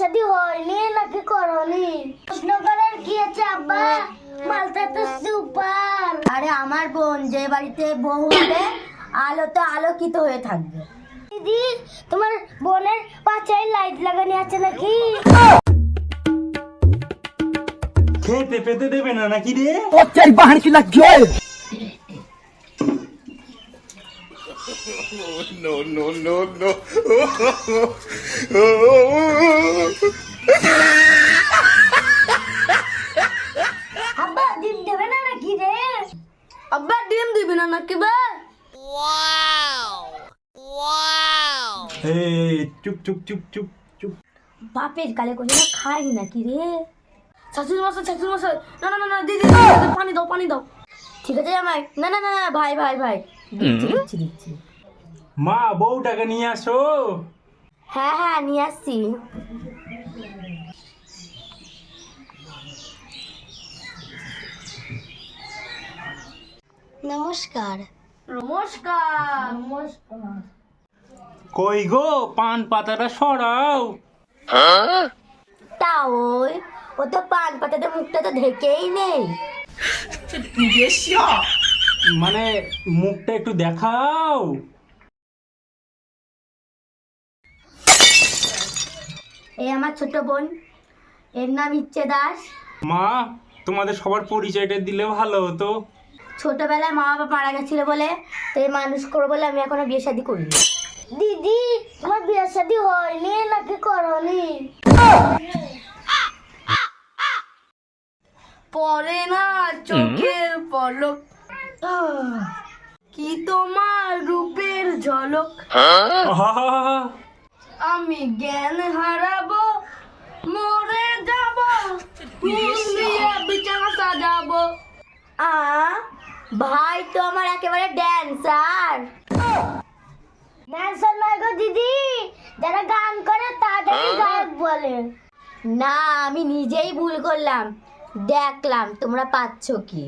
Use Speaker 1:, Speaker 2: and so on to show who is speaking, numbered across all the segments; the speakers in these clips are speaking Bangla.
Speaker 1: শাদী হয়নি নাকি করনি? প্রশ্ন করার কি আছে আব্বা? মালটা তো সুপার।
Speaker 2: আরে আমার বোন যে বাড়িতে বউ হবে আলো তো আলোকিত হয়ে থাকবে।
Speaker 1: দিদি, তোমার বোনের পাছায় লাইট লাগানো আছে নাকি?
Speaker 3: খেতে পেতে দেবে না নাকি রে?
Speaker 1: আব্বা ডিম দেবে না নাকি রে?
Speaker 2: আব্বা ডিম দিবি না নাকি বে?
Speaker 3: এই চুপ চুপ চুপ চুপ চুপ।
Speaker 2: বাপের কালে কোথাও খাই নাকি রে? শাশুড়ি মশাই না না না না দিদি পানি দাও পানি দাও। ঠিক আছে জামাই, না না না না ভাই ভাই ভাই দিচ্ছি।
Speaker 3: মা বউটাকে নিয়ে আসো।
Speaker 2: হ্যাঁ হ্যাঁ নিয়ে আসছি।
Speaker 1: নমস্কার।
Speaker 2: নমস্কার।
Speaker 3: কই গো পান পাতাটা সরাও।
Speaker 2: তা ওই ও তো পান পাতাতে মুখটা তো ঢেকেই নেই।
Speaker 3: মানে মুখটা একটু দেখাও।
Speaker 2: এই আমার ছোট বোন, এর নাম ইচ্ছে দাস।
Speaker 3: মা তোমাদের সবার পরিচয়টা দিলে ভালো হতো।
Speaker 2: ছোটবেলায় মা বাবা মারা গেছিল বলে তাই মানুষ করবো বলে আমি এখনো বিয়ে শাদী করিনি।
Speaker 1: দিদি, তোমার বিয়ে শাদী হয়নি নাকি করনি?
Speaker 2: পরে না চোখের পলক, কি তোমার রূপের ঝলক,
Speaker 3: আহা!
Speaker 2: আমি জ্ঞান হারাবো, মরে যাব, ফুল দিয়ে বিছানা সাজাবো। ভাই তো আমার একেবারে ড্যান্সার।
Speaker 1: ড্যান্সার নয় গো দিদি, যারা গান করে তাদেরই গায়ক বলে।
Speaker 2: না আমি নিজেই ভুল করলাম, দেখলাম তোমরা পাচ্ছ কি।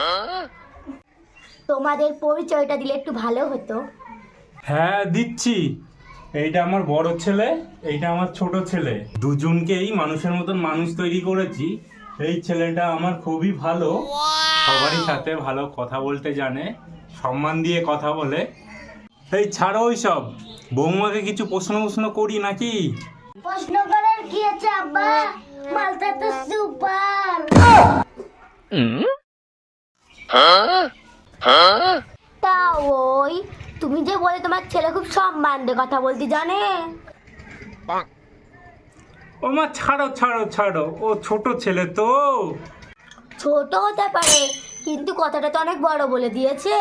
Speaker 2: তোমাদের পরিচয়টা দিলে একটু ভালো হতো।
Speaker 3: হ্যাঁ দিচ্ছি। এইটা আমার বড় ছেলে, এইটা আমার ছোট ছেলে। দুজনকেই মানুষের মতন মানুষ তৈরি করেছি। এই ছেলেটা আমার খুবই ভালো, সবারই সাথে ভালো কথা বলতে জানে, সম্মান দিয়ে কথা বলে। এই ছাড়ো ওই সব, বৌমাকে কিছু প্রশ্ন করি নাকি?
Speaker 1: প্রশ্ন করার কি আছে আব্বা? মালটা তো সুপার।
Speaker 2: তা ওই তুমি যে বলে তোমার ছেলে খুব সম্মান দিয়ে কথা বলতে জানে।
Speaker 3: ও মা ছাড়ো ছাড়ো ছাড়ো, ও ছোট ছেলে তো।
Speaker 2: ছোট হতে পারে কিন্তু কথাটা তো অনেক বড় বলে দিয়েছে।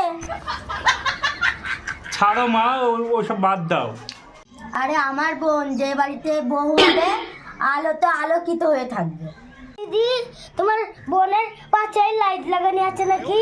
Speaker 3: ছাড়ো মা, ওসব বাদ দাও।
Speaker 2: আরে আমার বোন যে বাড়িতে বউ হবে আলো তো আলোকিত হয়ে থাকবে।
Speaker 1: দিদি, তোমার বোনের পাছায় লাইট লাগানো আছে নাকি?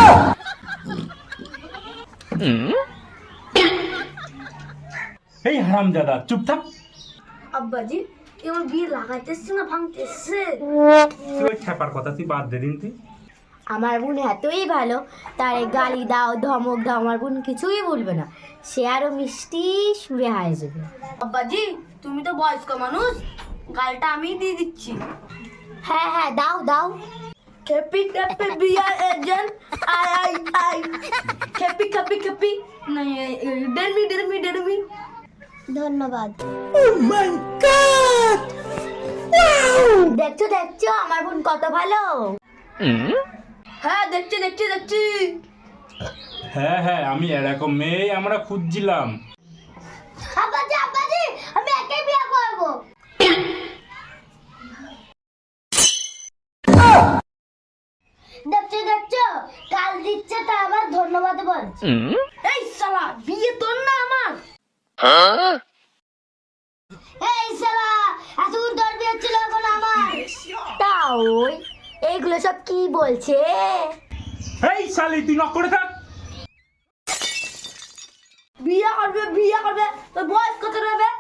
Speaker 3: এই হারামজাদা চুপ থাক।
Speaker 2: আব্বাজি কেমন বিয়ে লাগাইতেছে না ভাঙতেছে?
Speaker 3: তুই ওই খ্যাপার কথা তুই বাদ দে দিন তুই।
Speaker 2: আমার বোন এতই ভালো, তারে গালি দাও ধমক দাও আমার বোন কিছুই বলবে না, সে আরো মিষ্টি সুরে হায় যাবে। আব্বাজি তুমি তো বয়স্ক মানুষ, গালটা আমি দিয়ে দিচ্ছি। হ্যাঁ হ্যাঁ দাও দাও। খেপি খেপি বিয়ার এজেন্ট আই খেপি খেপি খেপি ডেরমি।
Speaker 1: ধন্যবাদ।
Speaker 2: দেখছো আমার বোন কত ভালো। হ্যাঁ দেখছি।
Speaker 3: হ্যাঁ হ্যাঁ, আমি এরকম মেয়ে আমরা খুঁজছিলাম।
Speaker 1: আব্বাজি, আমি একাই বিয়ে করব। দেখছো কাল দিচ্ছে তা আবার ধন্যবাদ বলছে।
Speaker 2: এই শালা বিয়ে তোর না আমার।
Speaker 1: এই শালা, এতক্ষণ তোর বিয়ে ছিল এখন আমার।
Speaker 2: তা ওই এইগুলো সব কি বলছে?
Speaker 3: এই শালি তুই নক করে থাক।
Speaker 2: বিয়ে করবে তোর বয়স কত হবে?